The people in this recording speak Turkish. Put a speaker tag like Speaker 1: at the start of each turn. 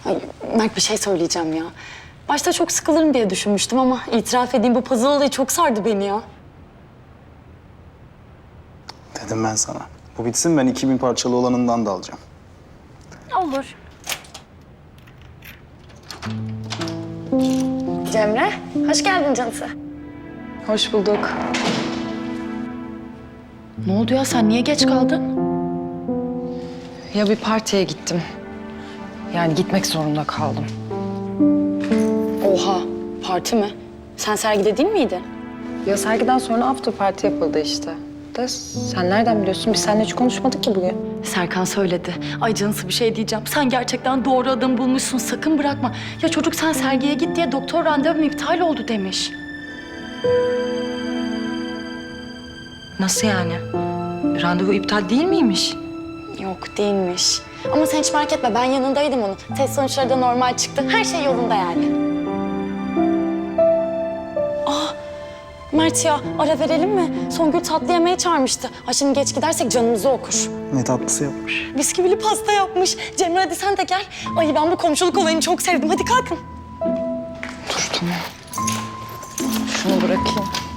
Speaker 1: Ay, Mert bir şey söyleyeceğim ya. Başta çok sıkılırım diye düşünmüştüm ama itiraf edeyim bu puzzle olayı çok sardı beni ya.
Speaker 2: Dedim ben sana. Bu bitsin, ben 2000 parçalı olanından da alacağım.
Speaker 1: Olur. Cemre, hoş geldin canısı.
Speaker 3: Hoş bulduk.
Speaker 1: Ne oldu ya, sen niye geç kaldın?
Speaker 3: Ya bir partiye gittim. Yani gitmek zorunda kaldım.
Speaker 1: Oha, parti mi? Sen sergide değil miydin?
Speaker 3: Ya sergiden sonra after party yapıldı işte. De sen nereden biliyorsun? Biz seninle hiç konuşmadık ki bugün.
Speaker 1: Serkan söyledi. Ay canısı bir şey diyeceğim. Sen gerçekten doğru adamı bulmuşsun. Sakın bırakma. Ya çocuk sen sergiye git diye doktor randevum iptal oldu demiş.
Speaker 3: Nasıl yani? Randevu iptal değil miymiş?
Speaker 1: Yok değilmiş. Ama sen hiç merak etme, ben yanındaydım onun. Test sonuçları da normal çıktı. Her şey yolunda yani. Mert ya, ara verelim mi? Songül tatlı yemeğe çağırmıştı. Ha şimdi geç gidersek canımızı okur.
Speaker 2: Ne tatlısı yapmış.
Speaker 1: Bisküvili pasta yapmış. Cemre hadi sen de gel. Ay ben bu komşuluk olayını çok sevdim. Hadi kalkın.
Speaker 3: Dur tamam. Şunu bırakayım.